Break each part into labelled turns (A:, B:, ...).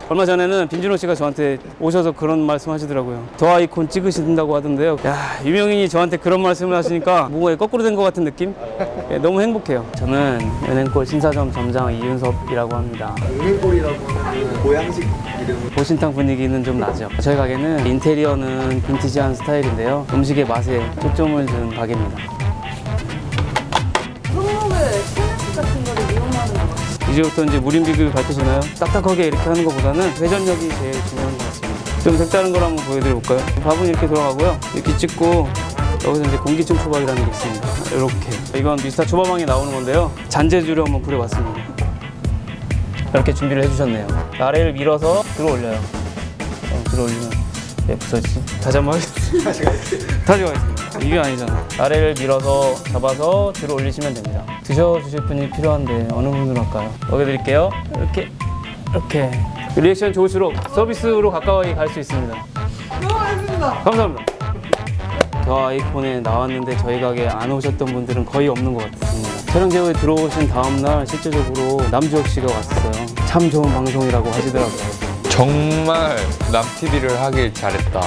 A: 얼마 전에는 빈준호 씨가 저한테 오셔서 그런 말씀 하시더라고요. 더 아이콘 찍으신다고 하던데요. 야, 유명인이 저한테 그런 말씀을 하시니까 뭐가 거꾸로 된 것 같은 느낌? 예, 너무 행복해요. 저는 은행골 신사점 점장 이윤섭이라고 합니다.
B: 은행골이라고 하면 모양식 이름.
A: 보신탕 분위기는 좀 나죠. 저희 가게는 인테리어는 빈티지한 스타일인데요. 음식의 맛에 초점을 둔 가게입니다.
C: 손목에 스트레스 같은 거를 이용하는 거.
A: 이제부터 이제 무림 비교를 밝히시나요? 딱딱하게 이렇게 하는 것보다는 회전력이 제일 중요한 것 같습니다. 좀 색다른 걸 한번 보여드려볼까요? 밥은 이렇게 돌아가고요. 이렇게 찍고 여기서 이제 공기층 초밥이라는 게 있습니다. 이렇게. 이건 미스터 초밥왕에 나오는 건데요. 잔재주를 한번 부려봤습니다. 이렇게 준비를 해주셨네요. 아래를 밀어서 들어 올려요. 들어 올리면 부서지지. 다시 한번 하겠습니다. 다시 가겠습니다. 이게 아니잖아. 아래를 밀어서 잡아서 들어 올리시면 됩니다. 드셔주실 분이 필요한데 어느 분으로 할까요? 먹여드릴게요. 이렇게 리액션 좋을수록 서비스로 가까이 갈 수 있습니다. 감사합니다. 더 아이콘에 나왔는데 저희 가게 안 오셨던 분들은 거의 없는 것 같습니다. 촬영 제후에 들어오신 다음날 실제적으로 남주혁 씨가 왔었어요. 참 좋은 방송이라고 하시더라고요.
D: 정말 남TV를 하길 잘했다.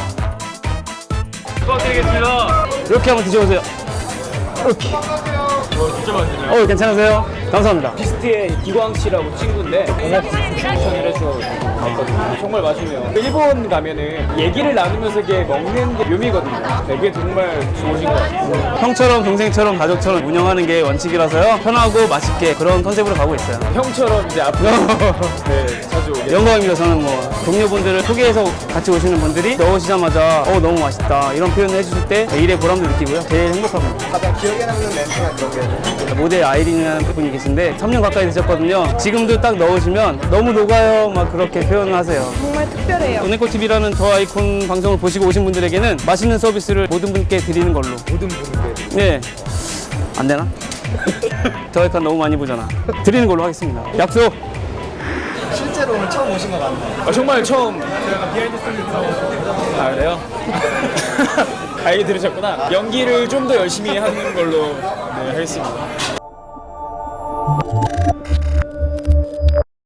A: 축하드리겠습니다. 이렇게 한번 드셔보세요. 이렇게. 진짜 맛있네요. 괜찮으세요? 감사합니다.
E: 비스트의 기광 씨라고 친구인데 추천을 해서 갔거든요. 정말 맛있네요. 일본 가면은 얘기를 나누면서 이게 먹는 게 묘미거든요. 그게 정말 좋으신 것 같아요.
A: 형처럼 동생처럼 가족처럼 운영하는 게 원칙이라서요. 편하고 맛있게 그런 컨셉으로 가고 있어요.
E: 형처럼 이제 앞으로 네, 자주 오게
A: 영광입니다. 저는 뭐 동료분들을 소개해서 같이 오시는 분들이 넣으시자마자 너무 맛있다 이런 표현을 해주실 때 일의 보람도 느끼고요. 제일 행복합니다.
B: 가장 기억에 남는 멘트가 그런 게
A: 모델 아이린이라는 분이 계신데 3년 가까이 되셨거든요. 지금도 딱 넣으시면 너무 녹아요 막 그렇게 표현을 하세요.
C: 정말 특별해요.
A: 은행꽃TV라는 더 아이콘 방송을 보시고 오신 분들에게는 맛있는 서비스를 모든 분께 드리는 걸로.
B: 모든 분들
A: 네. 안 되나? 더 아이콘 너무 많이 보잖아. 드리는 걸로 하겠습니다. 약속!
B: 실제로 오늘 처음 오신 거 맞나요?
E: 정말 처음 비하인드 스토리 아 그래요? 아, 얘기 들으셨구나. 연기를 좀 더 열심히 하는 걸로 네, 하겠습니다.